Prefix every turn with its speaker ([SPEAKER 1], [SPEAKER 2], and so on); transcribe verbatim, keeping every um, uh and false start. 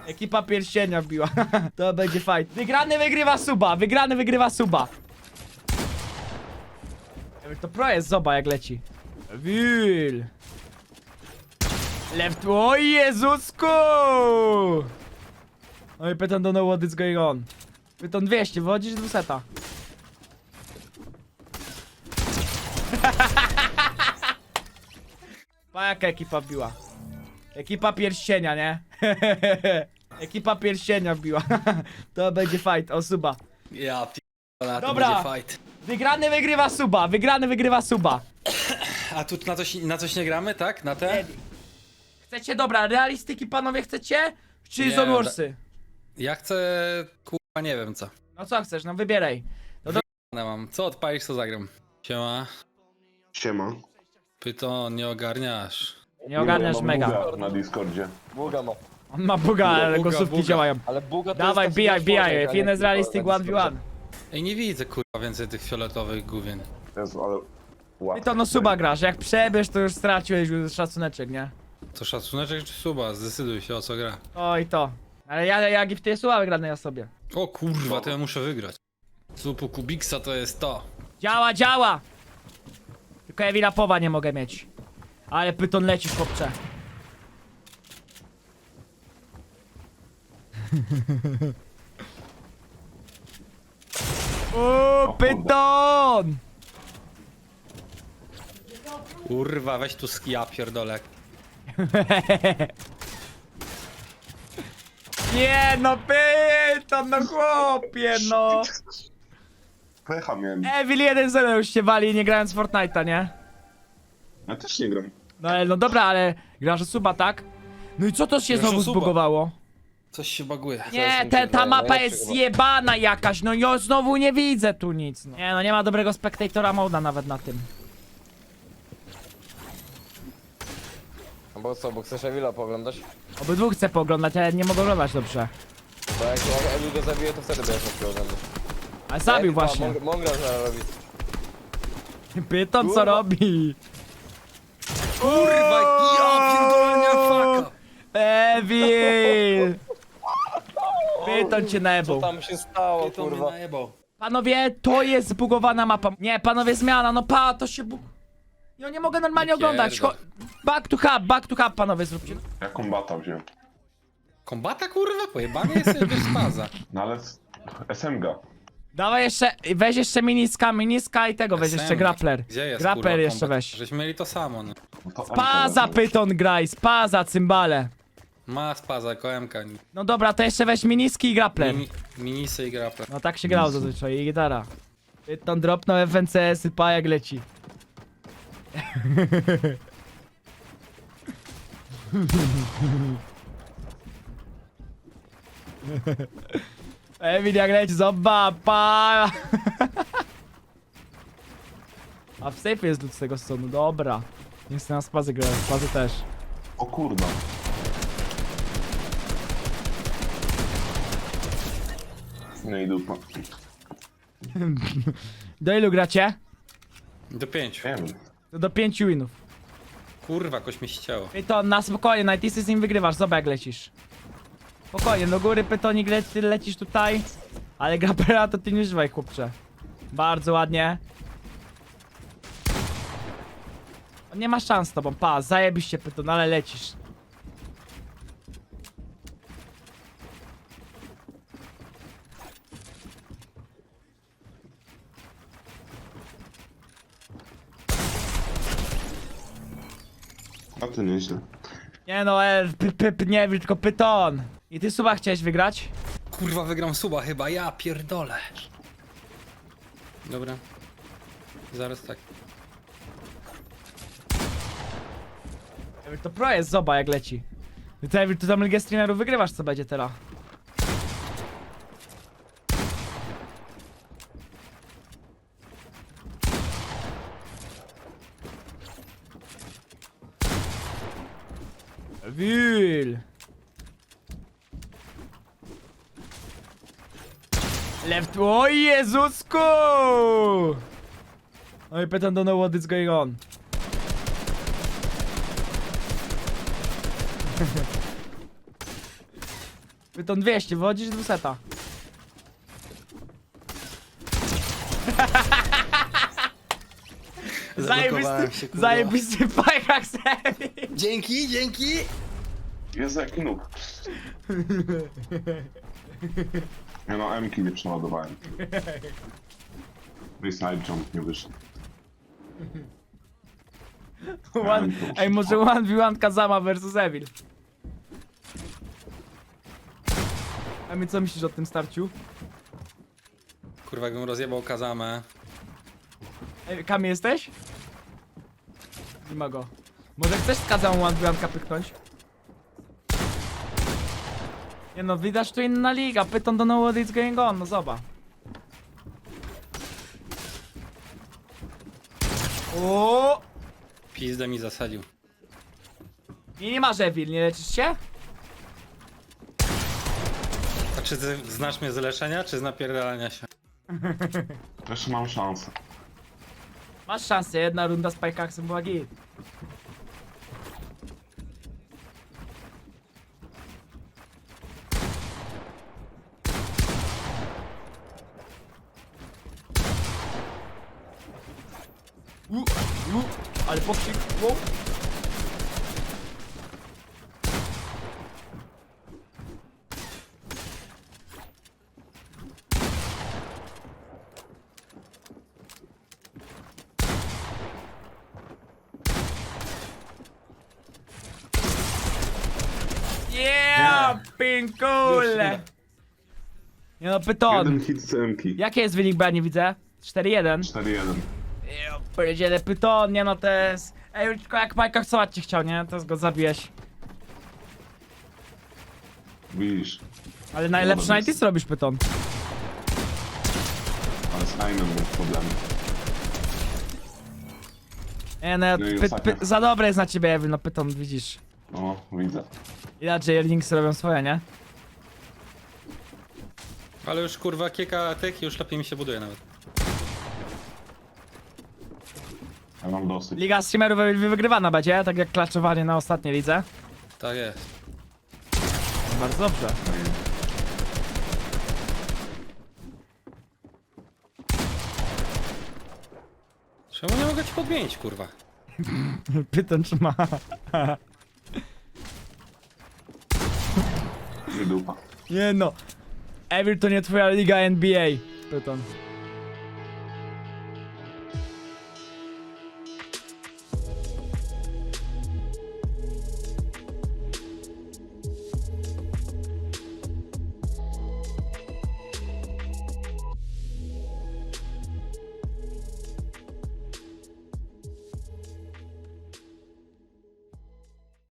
[SPEAKER 1] Ekipa pierścienia wbiła. To będzie fight. Wygrany wygrywa suba, wygrany wygrywa suba. To pro jest, zoba jak leci. Wil. Left, o Jezusku! No i pytam do know what is going on. Pytam dwieście, wychodzisz z dwuseta. Pa jaka ekipa wbiła. Ekipa pierścienia, nie? Ekipa pierścienia wbiła. To będzie fight, o suba.
[SPEAKER 2] Ja p***a, to
[SPEAKER 1] Dobra.
[SPEAKER 2] będzie fight.
[SPEAKER 1] Wygrany wygrywa suba, wygrany wygrywa suba.
[SPEAKER 2] A tu na coś, na coś nie gramy, tak? Na te?
[SPEAKER 1] Chcecie, dobra, realistyki panowie chcecie? Czy
[SPEAKER 2] Nie,
[SPEAKER 1] Zone Warsy?
[SPEAKER 2] Ja chcę, kurwa, nie wiem co.
[SPEAKER 1] No co chcesz, no wybieraj. No do...
[SPEAKER 2] Ja mam. Co odpalisz, to zagram. Siema.
[SPEAKER 3] Siema.
[SPEAKER 2] Pyton, nie ogarniasz.
[SPEAKER 1] Nie ogarniasz
[SPEAKER 3] mam
[SPEAKER 1] mega.
[SPEAKER 3] buga na Discordzie.
[SPEAKER 4] Buga ma.
[SPEAKER 1] On ma buga, ale
[SPEAKER 2] buga,
[SPEAKER 1] kosówki
[SPEAKER 2] buga.
[SPEAKER 1] działają.
[SPEAKER 4] Ale buga to
[SPEAKER 1] Dawaj,
[SPEAKER 4] jest
[SPEAKER 1] bijaj,
[SPEAKER 4] taki
[SPEAKER 1] bijaj.
[SPEAKER 4] człowiek, a nie
[SPEAKER 1] Finesse realistic
[SPEAKER 4] tylko
[SPEAKER 1] one v
[SPEAKER 4] na
[SPEAKER 1] one.
[SPEAKER 2] Ej, nie widzę, kurwa, więcej tych fioletowych gówien.
[SPEAKER 3] Jezu, ale...
[SPEAKER 1] Ty
[SPEAKER 3] Łatwo.
[SPEAKER 1] to no suba grasz, jak przebierz to już straciłeś już szacuneczek, nie?
[SPEAKER 2] To szacuneczek czy suba? Zdecyduj się, o co gra.
[SPEAKER 1] Oj to. Ale ja, ja gifty suba wygranej osobie.
[SPEAKER 2] O kurwa, to ja muszę wygrać. Supu Kubiksa to jest to.
[SPEAKER 1] Działa, działa! Tylko ja Wilapowa nie mogę mieć. Ale pyton leci, chłopcze. O, pyton!
[SPEAKER 2] Kurwa, weź tu skija, pierdolek.
[SPEAKER 1] Nie no, pyton, no chłopie, no.
[SPEAKER 3] Pecha miałem.
[SPEAKER 1] Evil jeden zero już się wali, nie grając w Fortnite'a, nie?
[SPEAKER 3] Ja też nie gram.
[SPEAKER 1] No ale no dobra, ale grasz o suba, tak? No i co to się
[SPEAKER 2] Grasz o
[SPEAKER 1] znowu
[SPEAKER 2] suba.
[SPEAKER 1] zbugowało?
[SPEAKER 2] Coś się baguje.
[SPEAKER 1] Nie,
[SPEAKER 4] mi
[SPEAKER 1] te,
[SPEAKER 4] się
[SPEAKER 1] ta
[SPEAKER 4] wydaje,
[SPEAKER 1] mapa
[SPEAKER 4] najlepszy
[SPEAKER 1] jest
[SPEAKER 4] chyba.
[SPEAKER 1] zjebana jakaś, no ja znowu nie widzę tu nic, no. Nie no, nie ma dobrego spectatora moda nawet na tym.
[SPEAKER 4] No bo co, bo chcesz Evila pooglądać?
[SPEAKER 1] Obydwu chcę pooglądać, ale nie mogę oglądać dobrze.
[SPEAKER 4] Bo jak, jak Evil go zabije, to wtedy będziesz mógł oglądać.
[SPEAKER 1] Ale zabił
[SPEAKER 4] Jak-
[SPEAKER 1] właśnie.
[SPEAKER 4] a, Mong- Mongrel zaraz robi.
[SPEAKER 1] Pyton co
[SPEAKER 4] Kurwa.
[SPEAKER 1] robi?
[SPEAKER 2] Kurwa, ja pierdolę, nie faka.
[SPEAKER 1] Evil! Pyton cię
[SPEAKER 4] Co
[SPEAKER 1] najebał.
[SPEAKER 4] tam się stało,
[SPEAKER 2] Pyton mnie
[SPEAKER 4] kurwa?
[SPEAKER 2] najebał.
[SPEAKER 1] Panowie, to jest zbugowana mapa. Nie, panowie, zmiana, no pa, to się bug... Ja nie mogę normalnie
[SPEAKER 2] Nie
[SPEAKER 1] oglądać. Cho...
[SPEAKER 2] pierdol.
[SPEAKER 1] Back to hub, back to hub, panowie, zróbcie.
[SPEAKER 3] Ja kombata wziąłem.
[SPEAKER 2] Kombata, kurwa, pojebany jesteś bez spaza.
[SPEAKER 3] No ale... S M G.
[SPEAKER 1] Dawaj jeszcze, weź jeszcze miniska, miniska i tego, weź
[SPEAKER 2] S M.
[SPEAKER 1] jeszcze grappler.
[SPEAKER 2] Gdzie jest,
[SPEAKER 1] Grappler
[SPEAKER 2] kurwa,
[SPEAKER 1] jeszcze
[SPEAKER 2] kombat?
[SPEAKER 1] weź.
[SPEAKER 2] Żeśmy mieli to samo, no.
[SPEAKER 3] No to
[SPEAKER 1] Spaza
[SPEAKER 3] M K
[SPEAKER 1] pyton graj, spaza cymbale.
[SPEAKER 2] Ma spaza, koemka.
[SPEAKER 1] No dobra, to jeszcze weź miniski i grappler.
[SPEAKER 2] Mini, minisy i grapple.
[SPEAKER 1] No tak się grało zazwyczaj i gitara. Pyton dropnął F N C S, pa jak leci. Emil jak leci, zobacz, pa. A w safe jest lód z tego stonu, dobra. Nie chcę na spazy grać, spazy też.
[SPEAKER 3] O kurwa. No i dupa.
[SPEAKER 1] Do ilu gracie?
[SPEAKER 2] Do pięciu.
[SPEAKER 3] Wiem.
[SPEAKER 1] To do pięciu winów.
[SPEAKER 2] Kurwa, koś mi ścięło.
[SPEAKER 1] Pyton, na spokojnie, Nightisy z nim wygrywasz, zobacz jak lecisz. Spokojnie, do góry Pytonik le ty lecisz tutaj. Ale Grappera to ty nie używaj, chłopcze. Bardzo ładnie. On nie ma szans z tobą, pa, zajebiście Pyton, ale lecisz.
[SPEAKER 3] A to nieźle.
[SPEAKER 1] Nie no, e, p, p, p, nie, tylko Pyton. I ty suba chciałeś wygrać?
[SPEAKER 2] Kurwa, wygram suba chyba, ja pierdolę. Dobra. Zaraz tak.
[SPEAKER 1] To pro jest, zobacz jak leci. Ty, ty tam ligę streamerów wygrywasz, co będzie teraz. Wil. Left, o Jezusku! No i pytam do know what is going on. Pyton dwieście, wychodzisz do seta.
[SPEAKER 2] Zablokowałem się,
[SPEAKER 1] Zajebisty,
[SPEAKER 2] kurwa.
[SPEAKER 1] zajebisty pajak serii.
[SPEAKER 2] Dzięki, dzięki!
[SPEAKER 3] Jezu, jaki noob. Ja no, M-ki nie przeładowałem. I side jump nie wyszedł.
[SPEAKER 1] One, ej, może one v one Kazama versus Evil. A my co myślisz o tym starciu?
[SPEAKER 2] Kurwa, jakbym rozjebał Kazamę.
[SPEAKER 1] Ej, Kami jesteś? Nie ma go. Może chcesz z Kazamą one v one pyknąć? Nie no, widać tu inna liga. Pyton do know what is going on, no zobacz. O!
[SPEAKER 2] Pizdę mi zasadził.
[SPEAKER 1] Nie, nie masz Evil, nie leczysz się?
[SPEAKER 2] A czy ty znasz mnie z leczenia, czy z napierdalania się?
[SPEAKER 3] Też mam szansę.
[SPEAKER 1] Masz szansę, jedna runda z Pajkaksem była git. U, u, ale pokrzyk, wow. Yeah, pinkule! Nie no, Pyton.
[SPEAKER 3] Jeden hit z M-ki.
[SPEAKER 1] Jaki jest wynik, bo ja nie widzę? cztery jeden.
[SPEAKER 3] cztery jeden.
[SPEAKER 1] Ja powiedziele Pyton, nie no to jest... Ej, tylko jak Majka chcąć cię chciał, nie? To go zabijesz.
[SPEAKER 3] Widzisz.
[SPEAKER 1] Ale najlepszy
[SPEAKER 3] Dobra,
[SPEAKER 1] nineties robisz, Pyton.
[SPEAKER 3] Ale z Naimem był problem.
[SPEAKER 1] Nie no,
[SPEAKER 3] No i
[SPEAKER 1] py,
[SPEAKER 3] ostatnia.
[SPEAKER 1] py, za dobre jest na ciebie, Evil, no Pyton, widzisz.
[SPEAKER 3] No, widzę.
[SPEAKER 1] Inaczej Erlings robią swoje, nie?
[SPEAKER 2] Ale już kurwa kieka tyk, już lepiej mi się buduje nawet.
[SPEAKER 3] Ja mam dosyć.
[SPEAKER 1] Liga streamerów Evil wygrywana będzie, tak jak klaczowanie na ostatniej lidze.
[SPEAKER 2] Tak jest.
[SPEAKER 1] Bardzo dobrze.
[SPEAKER 2] Czemu nie mogę ci podmienić, kurwa?
[SPEAKER 1] Pyton czy ma.
[SPEAKER 3] Nie dupa.
[SPEAKER 1] Nie no. Evil to nie twoja liga N B A. Pyton.